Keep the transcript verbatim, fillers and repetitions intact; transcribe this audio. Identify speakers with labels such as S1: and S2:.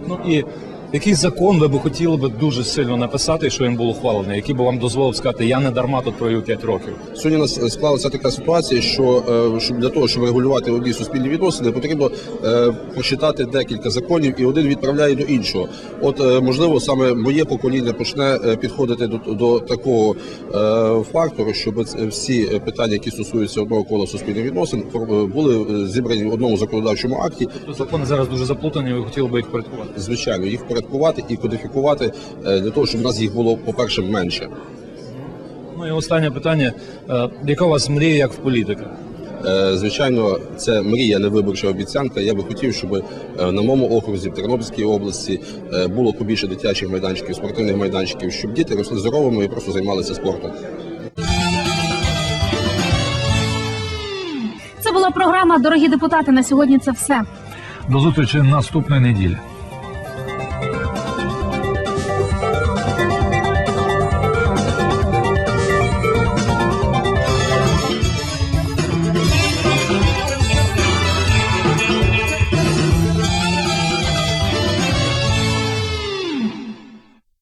S1: Ну і який закон ви б хотіли би дуже сильно написати, що він був ухвалений, який би вам дозволив сказати, я не дарма тут провів п'ять років?
S2: Сьогодні у нас склалася така ситуація, що щоб для того, щоб регулювати одні суспільні відносини, потрібно е, почитати декілька законів, і один відправляє до іншого. От, е, можливо, саме моє покоління почне підходити до, до такого е, фактору, щоб всі питання, які стосуються одного кола суспільних відносин, були зібрані в одному законодавчому акті.
S1: Тобто закони зараз дуже заплутані, ви хотіли би їх порядкувати?
S2: Звичайно, їх порядкувати і кодифікувати для того, щоб у нас їх було, по-перше, менше.
S1: Ну і останнє питання. Яка у вас мрія як в політика?
S2: Звичайно, це мрія, не виборча обіцянка. Я би хотів, щоб на моєму окрузі, в Тернопільській області було побільше дитячих майданчиків, спортивних майданчиків, щоб діти росли здоровими і просто займалися спортом.
S3: Це була програма «Дорогі депутати». На сьогодні це все.
S4: До зустрічі наступної неділі.